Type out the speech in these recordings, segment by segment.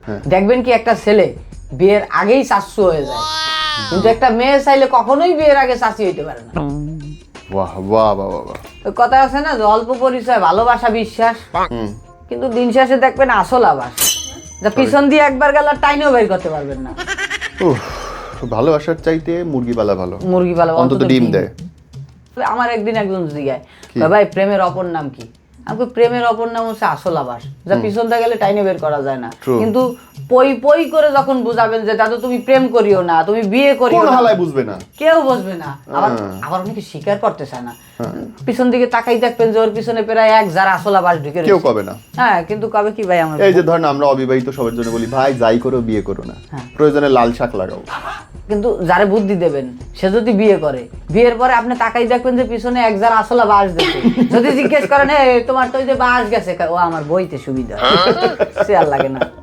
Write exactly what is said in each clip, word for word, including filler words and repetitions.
দেখবেন কি একটা ছেলে বিয়ের আগেই শাশু হয়ে যায়, কিন্তু একটা মেয়ে চাইলে কখনোই বিয়ের আগে শাশি হইতে পারে না। বাহ বাহ বাহ বাহ। ওই কথা আছে না যে অল্প পরিচয় ভালোবাসা বিশ্বাস, কিন্তু দিন শেষে দেখবেন আসল আবাস, যা পিছন দিয়ে একবার গেল টাইনেও বের করতে পারবেন না। উফ, ভালোবাসার চাইতে মুরগি পালা ভালো, মুরগি পালা অন্তত ডিম দেয়। আমার একদিন একজন জিজ্ঞায় ভাই প্রেমের অপর নাম কি, আমাকে প্রেমের অপর নাম হচ্ছে আসল আবাস, যা পিছন দিয়ে গেলে টাইনে বের করা যায় না। কিন্তু পই পই করে যখন বুঝাবেন যে দাদু তুমি প্রেম করিও না, তুমি বিয়ে করিও না, বুঝবে না, কেউ বুঝবে না। আবার আবার অনেকে স্বীকার করতে চায় না, পিছন দিকে তাকাই দেখবেন যে ওর পিছনে প্রায় এক যারা আসল আবাস ঢুকে কেউ কবে না। হ্যাঁ, কিন্তু কবে কি ভাই আমার এই যে ধরেন আমরা অবিবাহিত সবার জন্য বলি ভাই যাই করো বিয়ে করো না, প্রয়োজনে লাল শাক লাগাও। কিন্তু যারে বুদ্ধি দেবেন সে যদি বিয়ে করে, বিয়ের পরে আপনি তাকাই দেখবেন যে পিছনে এক যারা আসলে বাস দিচ্ছে, যদি জিজ্ঞেস করেন এ তোমার তো ওই যে বাস গেছে, ও আমার বইতে সুবিধা, সে আর লাগে না।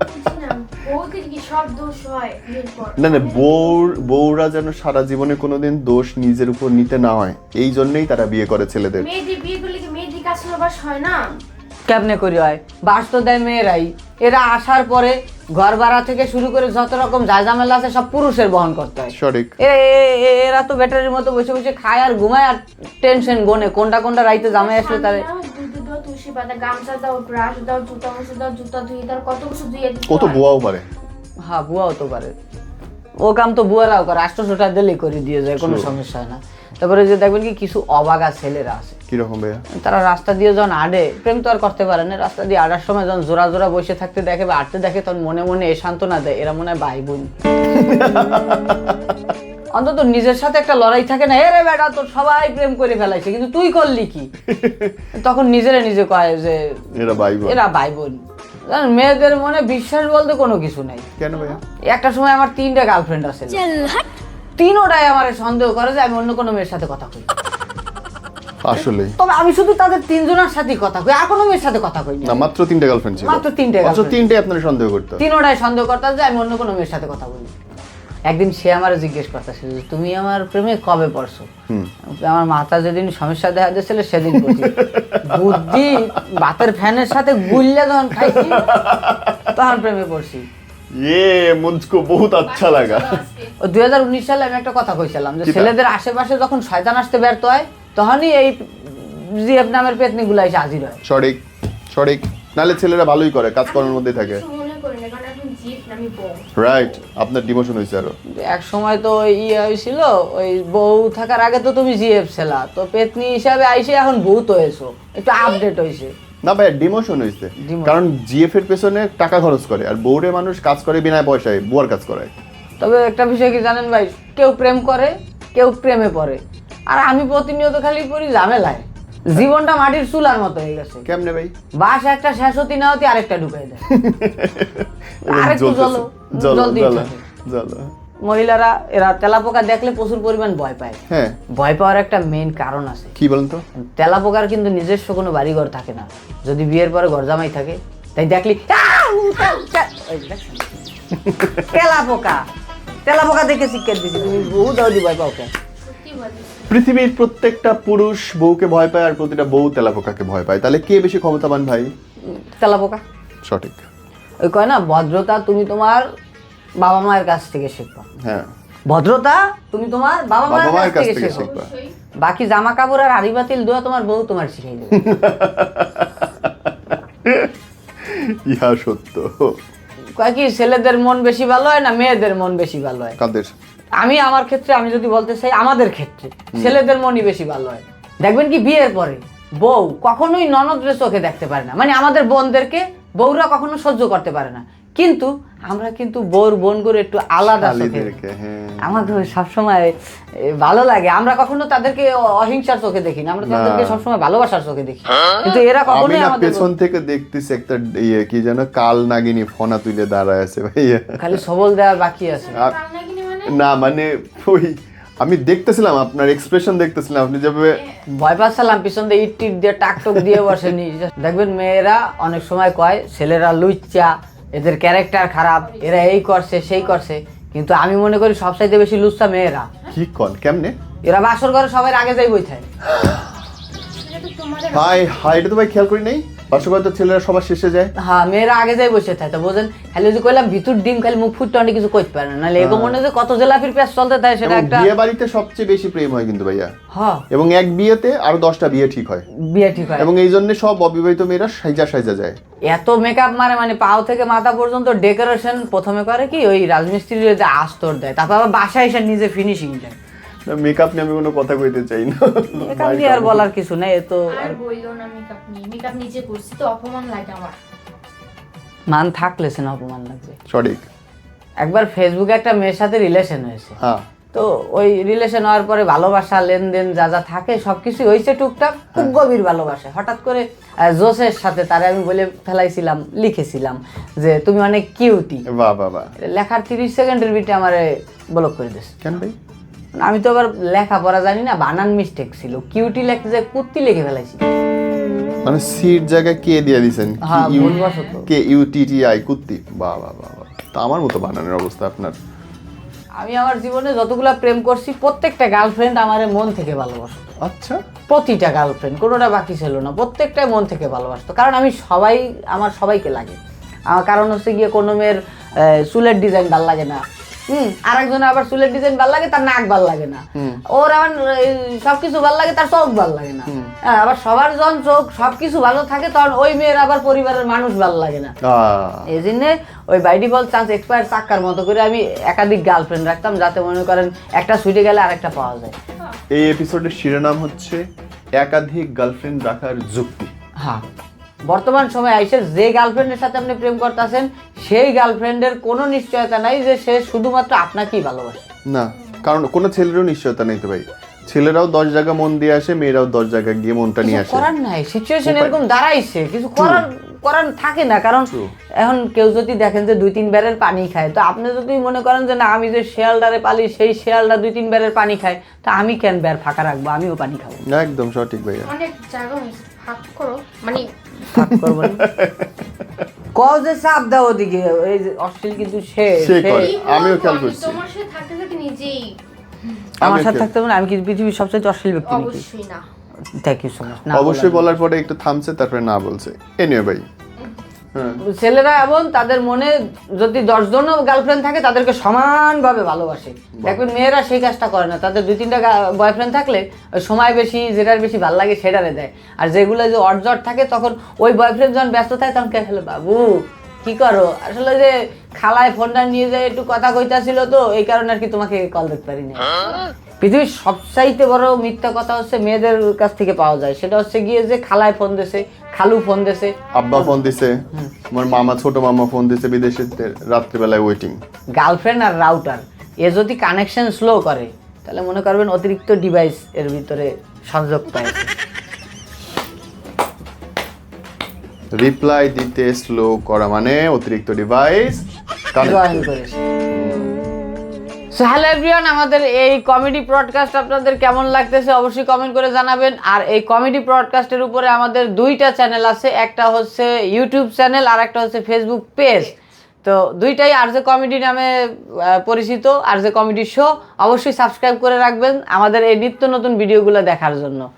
না না, বউর বউরা যেন সারা জীবনে কোনোদিন দোষ নিজের উপর নিতে না হয়, এই জন্যই তারা বিয়ে করে ছেলেদের। মেয়েদের বিয়ে করলে কি মেয়েদের কাছে বাস হয় না? কেমনে করি হয়, বাস তো দেয় মেয়েরাই। এরা আসার পরে ঘর ভাড়া থেকে শুরু করে যত রকম ঝামেলা আছে সব পুরুষের বহন করতে হয়। সঠিক। এরা তো ব্যাটারির মতো বসে বসে খায় আর ঘুমায় আর টেনশন গোনে কোনটা কোনটা রাইতে জামাই আসলে তারে তুলসী পাতা, গামছা দাও, ব্রাশ দাও, জুতা মুছে দাও, জুতা ধুয়ে দাও, কত কিছু ধুয়ে দিতে কত বুয়াও পারে। হ্যাঁ, বুয়াও তো পারে, ও কাম তো বুয়ারাও করে, আষ্টশোটা দিলেই করে দিয়ে যায়, কোনো সমস্যা হয় না। তারপরে যে দেখবেন কি কিছু অবাগা ছেলেরা আছে, কিরকম ভাইয়া, তারা রাস্তা দিয়ে যখন আডে, প্রেম তো আর করতে পারে না, রাস্তা দিয়ে আডার সময় যখন জোড়া জোড়া বসে থাকতে দেখে বা আটতে দেখে, তখন মনে মনে এ সান্ত্বনা দেয় এরা মনে হয় ভাই বোন। অন্তত নিজের সাথে একটা লড়াই থাকে না, এরে বেটা তোর সবাই প্রেম করে ফেলাইছে কিন্তু তুই করলি কি, তখন নিজেরে নিজে কয় যে এরা ভাই বোন, এরা ভাই বোন। মেয়েদের মনে বিশ্বাস বলতে কোনো কিছু নাই। কেন ভাইয়া? একটা সময় আমার তিনটা গার্লফ্রেন্ড আছে, তিনোটাই আমার সন্দেহ করে যে আমি অন্য কোনো মেয়ের সাথে কথা কই। আসলে তবে আমি শুধু তাদের তিনজনের সাথেই কথা কই, আর কোনো মেয়ের সাথে কথা কই না। মাত্র তিনটা গার্লফ্রেন্ড ছিল, মাত্র তিনটে মাত্র তিনটে আপনারা সন্দেহ করতে, তিনোটাই সন্দেহ করতাম যে আমি অন্য কোনো মেয়ের সাথে কথা বলি। একদিন সে আমার জিজ্ঞেস করতেছিল যে তুমি আমার প্রেমে কবে পড়ছো, আমার মাথা যেদিন সমস্যা দেখা দিয়েছিল সেদিন পড়ছি। বুদ্ধি ভাতের ফ্যানের সাথে গুল্লা যখন খাইছি তখন প্রেমে পড়ছি। ये मुझको बहुत अच्छा लगा। দুই হাজার উনিশ সালে আমি একটা কথা কইছিলাম যে ছেলেদের আশেপাশে যখন শয়তান আসতে ব্যর্থ হয় তখনই এই জিএফ নামের পেতনি গুলা এসে হাজির হয়। সঠিক সঠিক, নালে ছেলেরা ভালোই করে, কাজ করার মধ্যে থাকে। মনে করি না, কারণ এখন জিএফ নামি বউ। রাইট, আপনার ডিমোশন হয়েছে আরো। এক সময় তো ইয়ে হয়েছিল, ওই বউ থাকার আগে তো তুমি জিএফ ছিলা, তো পেতনি হিসাবে আইসে এখন বউ তো হয়েছো, একটু আপডেট হয়েছে। না ভাই, ডিমোশন হয়েছে, কারণ জিএফ এর পেছনে টাকা খরচ করে আর বউরে মানুষ কাজ করে বিনা পয়সায়, বুয়ার কাজ করায়। তবে একটা বিষয় কি জানেন ভাই, কেউ প্রেম করে কেউ প্রেমে পড়ে, আর আমি প্রতিনিয়ত খালি পড়ি ঝামেলায়। জীবনটা মাটির চুলার মতো হয়ে গেছে। কেমনে ভাই? বাস একটা শেষ হতে না হতে আরেকটা ঢুকাই দেয়, আরেকটু জলো জলদি জলো। মহিলারা এরা তেলাপোকা দেখলে প্রচুর পরিমাণ ভয় পায়। হ্যাঁ, ভয় পাওয়ার একটা মেইন কারণ আছে। কি বলেন তো? তেলাপোকার কিন্তু নিজস্ব কোনো বাড়িঘর থাকে না, যদি বিয়ের পরে ঘর জামাই থাকে, তাই দেখলি তেলাপোকা তেলাপোকা দেখে শিক্ষা দিছি। তুমি বহু দাওদি ভয় পাও কেন? পৃথিবীর প্রত্যেকটা পুরুষ বউকে ভয় পায় আর প্রতিটা বউ তেলাপোকাকে ভয় পায়, তাহলে কে বেশি ক্ষমতাবান ভাই? তেলাপোকা। সঠিক। ওই কয় না ভদ্রতা তুমি তোমার বাবা মায়ের কাছ থেকে শিখবা। হ্যাঁ, ভদ্রতা তুমি তোমার বাবা মায়ের কাছ থেকে শিখবা, বাকি জামা কাপড় আর হাড়ি বাতিল দোয়া তোমার বউ তোমার শিখাই দেবে। ইহা সত্য। কয় কি ছেলেদের মন বেশি ভালো হয় না মেয়েদের মন বেশি ভালো হয়? কাদের? আমি আমার ক্ষেত্রে আমি যদি বলতে চাই, আমাদের ক্ষেত্রে ছেলেদের মনই বেশি ভালো হয়। দেখবেন কি বিয়ের পরে বউ কখনোই ননদের চোখে দেখতে পারে না, মানে আমাদের বোনদেরকে বউরা কখনো সহ্য করতে পারে না, কিন্তু আমরা কিন্তু বউর বোন করে একটু আলাদা চোখে দেখি। আমাকে সবসময় ভালো লাগে, আমরা কখনো তাদেরকে অহিংসার চোখে দেখি না, আমরা তাদেরকে সবসময় ভালোবাসার চোখে দেখি। কিন্তু এরা কখনোই আমাদের পেছন থেকে দেখতেছি একটা ইয়ে কি যেন কাল নাগিনী ফনা তুলে দাঁড়ায় আছে ভাইয়া, খালি সবল দেওয়ার বাকি আছে। না মানে ওই আমি দেখতেছিলাম আপনার এক্সপ্রেশন দেখতেছিলাম, আপনি যেভাবে ভয় পাচ্ছিলাম, পিছন দিয়ে ইট টিট দিয়ে টাক টুক দিয়ে বসেনি। দেখবেন মেয়েরা অনেক সময় কয় ছেলেরা লুচ্চা, এদের ক্যারেক্টার খারাপ, এরা এই করছে সেই করছে, কিন্তু আমি মনে করি সবচাইতে বেশি লুচ্চা মেয়েরা। কি কন? কেমনে? এরা বাসর ঘরে সবাই আগে যাই বই থাকে। হাই হাই, এটা তো ভাই খেয়াল করি নাই। বাস্তবতা ছেলেরা সবার শেষে যায়। হ্যাঁ মেয়েরা আগে যাই বসে থাকে তো বোঝেন, খালি যদি কইলাম ভিতর ডিম খালি মুখ ফুটতে অনেক কিছু করতে পারে না, নাহলে এগো মনে হয় যে কত জেলাপির পেঁয়াজ চলতে থাকে সেটা এবং একটা। বিয়ে বাড়িতে সবচেয়ে বেশি প্রেম হয় কিন্তু ভাইয়া, হ্যাঁ এবং এক বিয়েতে আরো দশটা বিয়ে ঠিক হয়, বিয়ে ঠিক হয়। এবং এই জন্য সব অবিবাহিত মেয়েরা সাইজা সাইজা যায়। এত মেকআপ মারে, মানে পাও থেকে মাথা পর্যন্ত ডেকোরেশন প্রথমে করে কি ওই রাজমিস্ত্রি যে আস্তর দেয়, তারপর আবার বাসায় এসে নিজে ফিনিশিং দেয়। মেকআপ নিয়ে আমি কোনো কথা কইতে চাই না, মেকআপ নিয়ে আর বলার কিছু নেই, এ তো আর বইলো না মেকআপ নিয়ে, মেকআপ নিজে করছি তো অপমান লাগে আমার। মান থাকলে সে না অপমান লাগবে। সঠিক। একবার ফেসবুকে একটা মেয়ের সাথে রিলেশন হয়েছে, হ্যাঁ তো ওই রিলেশন হওয়ার পরে ভালোবাসা লেনদেন যা যা থাকে সবকিছু হয়েছে টুকটাক, খুব গভীর ভালোবাসা। হঠাৎ করে আহ, জোসের সাথে তারে আমি বলে ফেলাইছিলাম, লিখেছিলাম যে তুমি অনেক কিউটি। বাহ বাহ বাহ। লেখার তিরিশ সেকেন্ডের ভিতরে আমারে ব্লক করে দিয়েছে। কেন ভাই? আমি তো আবার লেখাপড়া জানি না, বানান মিস্টেক ছিল, কিউটি লিখতে যে কুত্তি লিখে ফেলাইছি। মানে সির জায়গায় কে দিয়ে দিছেন? হ্যাঁ ভুলবশত। K U T T I কুত্তি। বাহ বাহ বাহ বাহ। তা আমার মতো বানানোর অবস্থা আপনার। আমি আমার জীবনে যতগুলা প্রেম করছি প্রত্যেকটা গার্লফ্রেন্ড আমার মন থেকে ভালোবাসতো, আচ্ছা। প্রতিটা গার্লফ্রেন্ড কোনোটা বাকি ছিল না, প্রত্যেকটাই মন থেকে ভালোবাসতো। কারণ আমি সবাই, আমার সবাইকে লাগে। আমার কারণ হচ্ছে গিয়ে কোনো মেয়ের আহ, চুলের ডিজাইন ভাল লাগে না, হুম আরেকজনের আবার চুলের ডিজাইন ভাল লাগে তার নাক ভাল লাগে না, ওর আবার এই, সবকিছু ভাল লাগে তার চোখ ভাল লাগে না। হ্যাঁ, আবার সবার যখন চোখ সবকিছু ভালো থাকে তখন ওই মেয়ের আবার পরিবারের মানুষ ভাল লাগে না। আহ, এই জন্য ওই বাই ডিফল্ট চান্স এক্সপায়ার চাক্কার মতো করে আমি একাধিক গার্লফ্রেন্ড রাখতাম, যাতে মনে করেন একটা ছুটে গেলে আরেকটা পাওয়া যায়। এই এপিসোডের শিরোনাম হচ্ছে একাধিক গার্লফ্রেন্ড রাখার যুক্তি। হ্যাঁ, বর্তমান সময়ে আইসে যে গার্লফ্রেন্ডের সাথে আপনি প্রেম করতেছেন সেই গার্লফ্রেন্ডের কোনো নিশ্চয়তা নাই যে সে শুধুমাত্র আপনাকেই ভালোবাসে। না, কারণ কোনো ছেলেরও নিশ্চয়তা নেই তো ভাই। ছেলেরাও দশ জায়গা মন দিয়ে আসে, মেয়েরাও দশ জায়গায় গিয়ে মনটা নিয়ে কিছু আসে। করার নাই, সিচুয়েশন এরকম দাঁড়াইছে, কিছু করার করার থাকে না। কারণ এখন কেউ যদি দেখেন যে দুই তিন ব্যারের পানি খায়, তো আপনি যদি মনে করেন যে না আমি যে শেয়ালটারে পালি সেই শেয়ালটা দুই তিন ব্যারের পানি খায়, তা আমি কেন ব্যার ফাঁকা রাখবো, আমিও পানি খাবো। একদম সঠিক ভাইয়া। অনেক জায়গা হয়েছে ভাগ করো, মানে ফাঁক করবো না। কও যে চাপ দাও ওদিকে, এই যে অশ্লীল কিন্তু সে সে সে- করে। কি আমিও বলবো, খেয়াল আমি করছি। তোমার সাথে থাকতে থাকতে নিজেই আমার আমিও সাথে খেয়াল- থাকতে হবে না, আমি কি পৃথিবীর সবচেয়ে অশ্লীল ব্যক্তি নাকি? অবশ্যই না। Thank you so much. অবশ্যই বলার পরে একটু থামছে, তারপরে না বলছে। এনিওয়ে ভাই, হ্যাঁ ছেলেরা এমন তাদের মনে যদি দশজনও গার্লফ্রেন্ড থাকে তাদেরকে সমানভাবে ভালোবাসে। দেখবেন মেয়েরা সেই কাজটা করে না, তাদের দুই তিনটা বয়ফ্রেন্ড থাকলে ওই সময় বেশি যেটার বেশি ভালো লাগে সেটারে দেয়। আর যেগুলো যে অর্জট থাকে তখন ওই বয়ফ্রেন্ড যখন ব্যস্ত থাকে তখন কে হলো বাবু কি করো, আসলে যে খালায় ফোনটা নিয়ে যায় একটু কথা কইতাছিল তো এই কারণে আর কি তোমাকে কল দিতে পারি না। পৃথিবীর সবচাইতে বড় মিথ্যা কথা হচ্ছে মেয়েদের কাছ থেকে পাওয়া যায়, সেটা হচ্ছে গিয়ে যে খালায় ফোন দিছে, খালু ফোন দিছে, আব্বা ফোন দিছে, আমার মামা ছোট মামা ফোন দিছে বিদেশে, রাত্রিবেলায় ওয়েটিং। গার্লফ্রেন্ড আর রাউটার এ যদি কানেকশন স্লো করে তাহলে মনে করবেন অতিরিক্ত ডিভাইস এর ভিতরে সংযোগ পাইছে। রিপ্লাই দিতে স্লো করা মানে অতিরিক্ত ডিভাইস জয়েন করেছে। সো হ্যালো এভরিওয়ান, আমাদের এই কমেডি ব্রডকাস্ট আপনাদের কেমন লাগতেছে অবশ্যই কমেন্ট করে জানাবেন। আর এই কমেডি ব্রডকাস্টের উপরে আমাদের দুইটা চ্যানেল আছে, একটা হচ্ছে ইউটিউব চ্যানেল আর একটা হচ্ছে ফেসবুক পেজ। তো দুইটাই আর যে কমেডি নামে আহ, পরিচিত, আর যে কমেডি শো। অবশ্যই সাবস্ক্রাইব করে রাখবেন আমাদের এই নিত্য নতুন ভিডিওগুলো দেখার জন্য।